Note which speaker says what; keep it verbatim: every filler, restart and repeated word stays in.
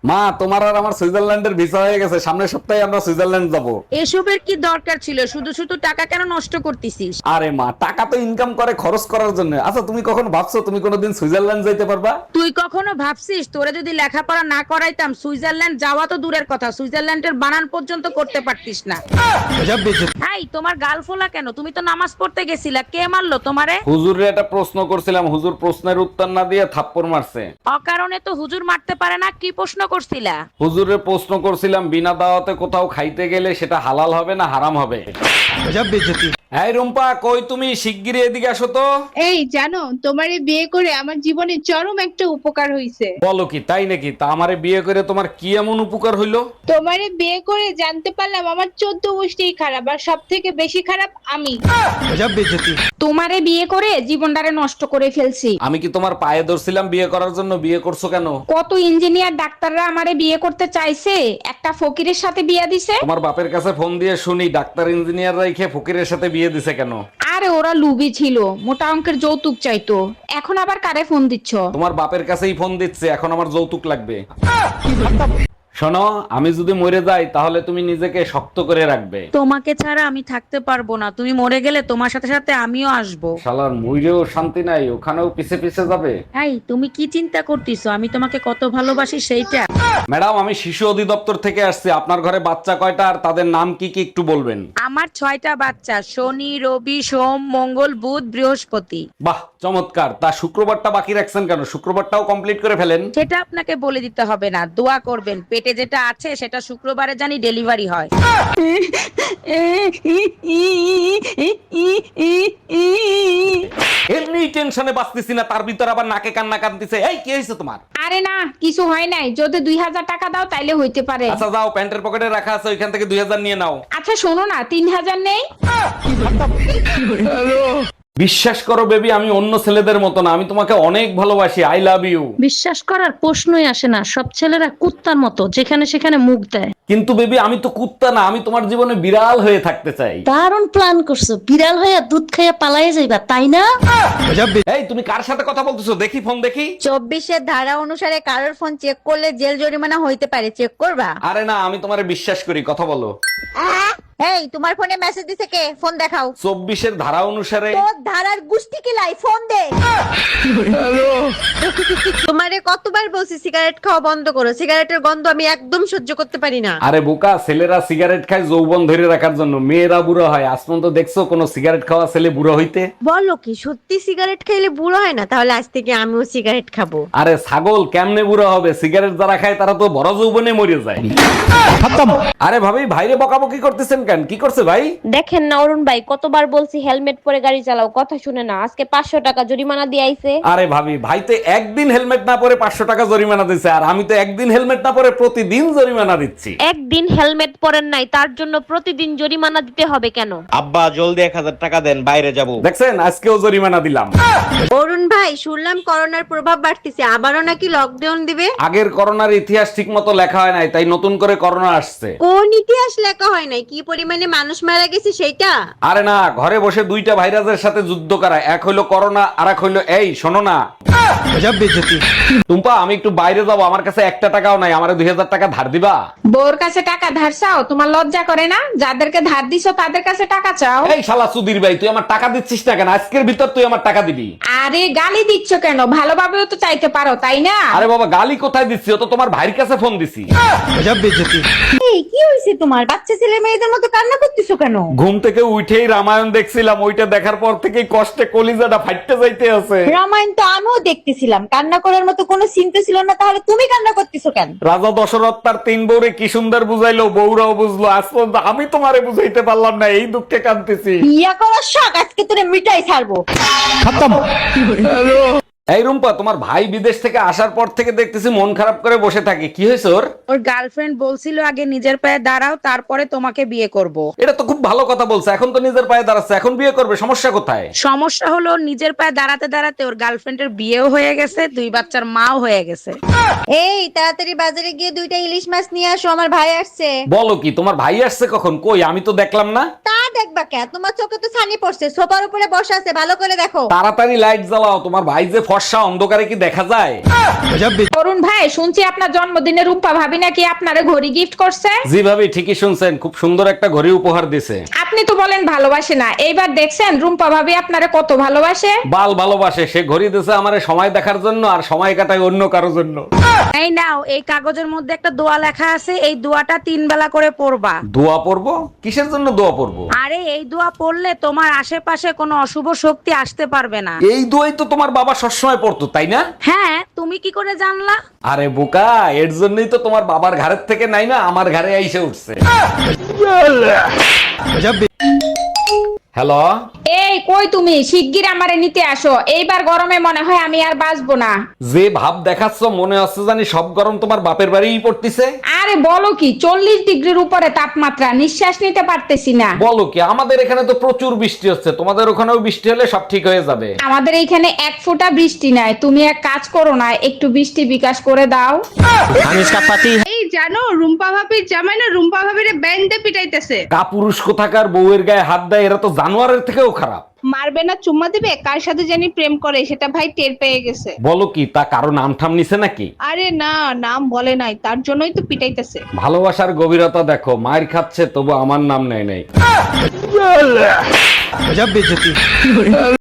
Speaker 1: মা, তোমার আর আমার সুইজারল্যান্ডের ভিসা হয়ে গেছে, সামনের সপ্তাহে আমরা সুইজারল্যান্ড যাব।
Speaker 2: এসবের কি দরকার ছিল? শুধু শুধু টাকা কেন নষ্ট করতেছিস?
Speaker 1: আরে মা, টাকা তো ইনকাম করে খরচ করার জন্য। আচ্ছা, তুমি কখন ভাবছো তুমি কোনোদিন সুইজারল্যান্ড যাইতে পারবা?
Speaker 2: তুই কখনো ভাবছিস তোরে যদি লেখাপড়া না করাইতাম সুইজারল্যান্ড যাওয়া তো দূরের কথা, সুইজারল্যান্ডের বানান পর্যন্ত করতে পারতিস না। এই তোমার গাল ফোলা কেন? তুমি তো নামাজ পড়তে গেছিলা, কে মারলো তোমারে?
Speaker 1: হুজুরের একটা প্রশ্ন করছিলাম, হুজুর প্রশ্নের উত্তর না দিয়ে থাপ্পড় মারছে।
Speaker 2: অকারণে তো হুজুর মারতে পারে না। কি প্রশ্ন করছিলা?
Speaker 1: হুজুরের প্রশ্ন করছিলাম, বিনা দাওয়াতে কোথাও খাইতে গেলে সেটা হালাল হবে না হারাম হবে? এই রুম্পা, কই তুমি? শিগগিরই এদিকে আসো তো।
Speaker 3: এই জানো, তোমারে বিয়ে করে আমার জীবনে চরম একটা উপকার হইছে।
Speaker 1: বলো কি, তাই নাকি? তা আমারে বিয়ে করে তোমার কি এমন উপকার হইলো?
Speaker 3: তোমারে বিয়ে করে জানতে পারলাম আমার চোদ্দ গোষ্ঠী খারাপ, আর সব থেকে বেশি খারাপ আমি।
Speaker 2: তোমারে বিয়ে করে জীবনটারে নষ্ট করে ফেলছি।
Speaker 1: আমি কি তোমার পায়ে ধরছিলাম বিয়ে করার জন্য? বিয়ে করছো কেন?
Speaker 2: কত ইঞ্জিনিয়ার ডাক্তাররা আমারে বিয়ে করতে চাইছে, একটা ফকিরের সাথে বিয়ে দিছে।
Speaker 1: তোমার বাপের কাছে ফোন দিয়ে শুনি ডাক্তার ইঞ্জিনিয়ার রাইখে ফকিরের সাথে বিয়ে দিছে কেন?
Speaker 2: আরে ওরা লুবি ছিল, মোটা অঙ্কের যৌতুক চাইতো। এখন আবার কারে ফোন দিচ্ছ?
Speaker 1: তোমার বাপের কাছেই ফোন দিচ্ছে, এখন আমার যৌতুক লাগবে। শোনো, আমি যদি মরে যাই তাহলে তুমি নিজেকে শক্ত করে রাখবে।
Speaker 2: তোমাকে ছাড়া আমি থাকতে পারবো না, তুমি মরে গেলে তোমার সাথে সাথে আমিও আসবো।
Speaker 1: শালার মইরেও শান্তি নাই, ওখানেও পিছে পিছে যাবে।
Speaker 2: এই তুমি কি চিন্তা করতেছো আমি তোমাকে কত ভালোবাসি সেইটা?
Speaker 1: ম্যাডাম, আমি শিশু অধিদপ্তর থেকে আসছি। আপনার ঘরে বাচ্চা কয়টা আর তাদের নাম কি কি একটু বলবেন?
Speaker 2: আমার ছয়টা বাচ্চা, শনি রবি সোম মঙ্গল বুধ বৃহস্পতি।
Speaker 1: বাহ, চমৎকার। তা শুক্রবারটা বাকি রাখছেন কেন? শুক্রবারটাও কমপ্লিট করে ফেলেন।
Speaker 2: সেটা আপনাকে বলে দিতে হবে না, দোয়া করবেন পেটে যেটা আছে সেটা শুক্রবারে জানি ডেলিভারি হয়।
Speaker 1: এমনি টেনশনে বাঁচতেছি না, তার ভিতর আবার নাকে কান্না কাঁদতেছে। এই, কি হয়েছে তোমার?
Speaker 2: আরে না, কিছু হয় নাই। যদি দুই হাজার টাকা দাও তাইলে হইতে পারে।
Speaker 1: আচ্ছা যাও, প্যান্টের পকেটে রাখা আছে, ওইখান থেকে দুই হাজার নিয়ে নাও।
Speaker 2: আচ্ছা শোনো না, তিন হাজার নেই?
Speaker 1: বিশ্বাস করো বেবি, আমি অন্য ছেলেদের মতো না, আমি তোমাকে অনেক ভালোবাসি। I love you.
Speaker 4: বিশ্বাস করার প্রশ্নই আসে না, সব ছেলেরা কুত্তার মতো যেখানে সেখানে মুখ দেয়।
Speaker 1: কিন্তু বেবি, আমি তো কুত্তা না, আমি তোমার জীবনে বিড়াল হয়ে থাকতে চাই।
Speaker 4: দারুণ প্ল্যান করছো, বিড়াল হইয়া দুধ খাইয়া পালাইয়া যাইবা, তাই না?
Speaker 1: এই, তুমি কার সাথে কথা বলতেছো? দেখি ফোন দেখি।
Speaker 5: চব্বিশের ধারা অনুসারে কারোর ফোন চেক করলে জেল জরিমানা হইতে পারে, চেক করবা?
Speaker 1: আরে না, আমি তোমারে বিশ্বাস করি, কথা বলো।
Speaker 5: এই তোমার ফোনে মেসেজ দিছে কে? ফোন দেখাও।
Speaker 1: চব্বিশের ধারা অনুসারে।
Speaker 5: তোর ধারার গুষ্টি কিলাই, ফোন দে। তোমারে কতবার বলছি সিগারেট খাওয়া বন্ধ করো, সিগারেটের গন্ধ আমি একদম সহ্য করতে পারি না।
Speaker 1: আরে বোকা, ছেলেরা সিগারেট খায় যৌবন ধরে রাখার জন্য, মেয়েরা বুড়ো হয়। আজ পর্যন্ত দেখছো কোনো সিগারেট খাওয়া ছেলে বুড়ো হইতে?
Speaker 5: বলো কি সত্যি সিগারেট খাইলে বুড়ো হয় না? তাহলে আজ থেকে আমিও সিগারেট খাবো।
Speaker 1: আরে ছাগল, কেমনে বুড়ো হবে? সিগারেট যারা খায় তারা তো বড় যৌবনে মরে যায়। আরে ভাবি, ভাইরে বকাবকি করতেছেন কেন? কি করছে ভাই?
Speaker 6: দেখেন না অরুণ ভাই, কতবার বলছি হেলমেট পরে গাড়ি চালাও, কথা শুনে না। আজকে পাঁচশো টাকা জরিমানা দিয়ে আইছে।
Speaker 1: আরে ভাবি, ভাই তো একদিন হেলমেট না পরে পাঁচশো টাকা জরিমানা দিচ্ছে, আর আমি তো একদিন হেলমেট না পরে প্রতিদিন জরিমানা দিচ্ছি।
Speaker 6: একদিন হেলমেট পরেন নাই তার জন্য প্রতিদিন জরিমানা দিতে হবে কেন?
Speaker 7: আব্বা জলদি এক হাজার টাকা দেন, বাইরে যাব।
Speaker 1: দেখছেন, আজকেও জরিমানা দিলাম।
Speaker 5: অরুণ ভাই, শুনলাম করোনার প্রভাব বাড়তেছে, আবারও নাকি লকডাউন দিবে।
Speaker 1: আগের করোনার ইতিহাস ঠিক মতো লেখা হয় নাই, তাই নতুন করে করোনা আসছে।
Speaker 5: কোন ইতিহাস লেখা হয় নাই? কি পরিমাণে মানুষ মারা গেছে সেইটা?
Speaker 1: আরে না, ঘরে বসে দুইটা ভাইরাসের সাথে যুদ্ধ করা, এক হইলো করোনা আর এক হইলো এই, শোনো না টুম্পা, আমি একটু বাইরে যাবো, আমার কাছে একটা টাকাও নাই, আমার দুই হাজার টাকা ধার দিবা?
Speaker 2: বউর কাছে টাকা ধার চাও? তোমার লজ্জা করে না? যাদেরকে ধার দিছো তাদের কাছে টাকা চাও?
Speaker 1: এই শালা সুধীর ভাই, তুই আমার টাকা দিচ্ছিস না কেন? আজকের ভিতর তুই আমার টাকা দিবি।
Speaker 2: আরে গালি দিচ্ছ কেন? ভালোভাবেও তো চাইতে পারো, তাই না?
Speaker 1: আরে বাবা, গালি কোথায় দিচ্ছি? ও তো তোমার ভাইয়ের কাছে ফোন দিছি।
Speaker 5: এই কি হইছে তোমার? বাচ্চা ছেলে মেয়েদের মতো কান্না করতেছো কেন?
Speaker 1: ঘুম থেকে উঠেই রামায়ণ দেখছিলাম, ওইটা দেখার পর থেকেই কষ্টে কলিজাটা ফাটতে যাইতে আছে।
Speaker 5: রামায়ণ তো আমিও দেখতেছিলাম, কান্না করার মতো কোনো চিন্তা ছিল না, তাহলে তুমি কান্না করতেছো কেন?
Speaker 1: রাজা দশরথ তার তিন বউরে কি সুন্দর বুঝাইলো, বউরাও বুঝলো, আজ পর্যন্ত আমি তোমারে বুঝাইতে পারলাম না, এই দুঃখে কাঁদতেছি।
Speaker 5: বিয়া করার শখ আজকে তোরে মিটাই ছাড়বো।
Speaker 1: এই রুম্পা, তোমার ভাই বিদেশ থেকে আসার পর থেকে দেখতেছি মন খারাপ করে বসে থাকে, কি হয়েছে ওর?
Speaker 2: ওর গার্লফ্রেন্ড বলছিল আগে নিজের পায়ে দাঁড়াও তারপরে তোমাকে বিয়ে করব।
Speaker 1: এটা তো খুব ভালো কথা বলছে, এখন তো নিজের পায়ে দাঁড়াচ্ছে, এখন বিয়ে করবে, সমস্যা কোথায়?
Speaker 2: সমস্যা হলো ওর নিজের পায়ে দাঁড়াতে দাঁড়াতে ওর গার্লফ্রেন্ডের বিয়েও হয়ে গেছে, দুই বাচ্চার মাও হয়ে গেছে।
Speaker 5: এই তাড়াতাড়ি বাজারে গিয়ে দুইটা ইলিশ মাছ নিয়ে আসো, আমার ভাই আসছে।
Speaker 1: বলো কি, তোমার ভাই আসছে কখন? কই, আমি তো দেখলাম না।
Speaker 5: তার দেখবা কে? তোমার চোখে তো ছানি পড়ছে, সোফার উপরে বসে আছে, ভালো করে দেখো।
Speaker 1: তাড়াতাড়ি লাইট জ্বালাও, তোমার ভাই যে ফর্সা, অন্ধকারে কি দেখা যায়?
Speaker 2: অরুণ ভাই, শুনছি আপনার জন্মদিনে রূপা ভাবি নাকি আপনারে ঘড়ি গিফট করছে।
Speaker 1: জি ভাবি, ঠিকই শুনছেন, খুব সুন্দর একটা ঘড়ি উপহার দিছে।
Speaker 2: আপনি তো বলেন ভালোবাসে না, এইবার দেখছেন রুম্পা ভাবি আপনারে কত ভালোবাসে।
Speaker 1: বাল ভালোবাসে, সে ঘড়ি দিছে আমারে সময় দেখার জন্য, আর সময় কাটায় অন্য কারোর জন্য।
Speaker 2: এই নাও, এই কাগজের মধ্যে একটা দোয়া লেখা আছে, এই দোয়াটা তিন বেলা করে পড়বা।
Speaker 1: দোয়া পড়বো? কিসের জন্য দোয়া পড়বো?
Speaker 2: আরে এই দোয়া পড়লে তোমার আশেপাশে কোনো অশুভ শক্তি আসতে পারবে না।
Speaker 1: এই দোয়াই তো তোমার বাবা সবসময় পড়তো, তাই না?
Speaker 2: হ্যাঁ, তুমি কি করে জানলা?
Speaker 1: আরে বোকা, এর জন্যই তো তোমার বাবার ঘাড়ের থেকে নাই না আমার ঘাড়ে আইসে উঠছে। হ্যালো,
Speaker 2: এই কই তুমি? শিগগির আমারে নিতে আসো, এইবার গরমে মনে হয় আমি আর বাঁচবো না।
Speaker 1: যে ভাব দেখাচ্ছ মনে হচ্ছে জানি সব গরম তোমার বাপের বাড়িই পড়তিছে।
Speaker 2: আরে বলো কি, চল্লিশ ডিগ্রির উপরে তাপমাত্রা, নিঃশ্বাস নিতে পারতেছি না।
Speaker 1: বলো কি, আমাদের এখানে তো প্রচুর বৃষ্টি হচ্ছে, তোমাদের ওখানেও বৃষ্টি হলে সব ঠিক হয়ে যাবে।
Speaker 2: আমাদের এইখানে এক ফোঁটা বৃষ্টি নাই, তুমি এক কাজ করো না, একটু বৃষ্টি বিকাশ করে দাও।
Speaker 3: এই জানো, রুম্পা ভাবির জামাই না রুম্পা ভাবির ব্যান্ডে পিটাইতেছে।
Speaker 1: কাপুরুষ কোথাকার বউয়ের গায়ে হাত দেয়, এরা তো জানোয়ারের থেকেও খারাপ।
Speaker 3: মারবে না চুম্মা দিবে, কার সাথে জানি প্রেম করে সেটা ভাই টের পেয়ে গেছে।
Speaker 1: বলো কি, তা কারো নাম ঠাম নিছে নাকি?
Speaker 3: আরে না, নাম বলে নাই, তার জন্যই তো পিটাইতেছে।
Speaker 1: ভালোবাসার গভীরতা দেখো, মায়ের খাচ্ছে তবু আমার নাম নেয় নাই।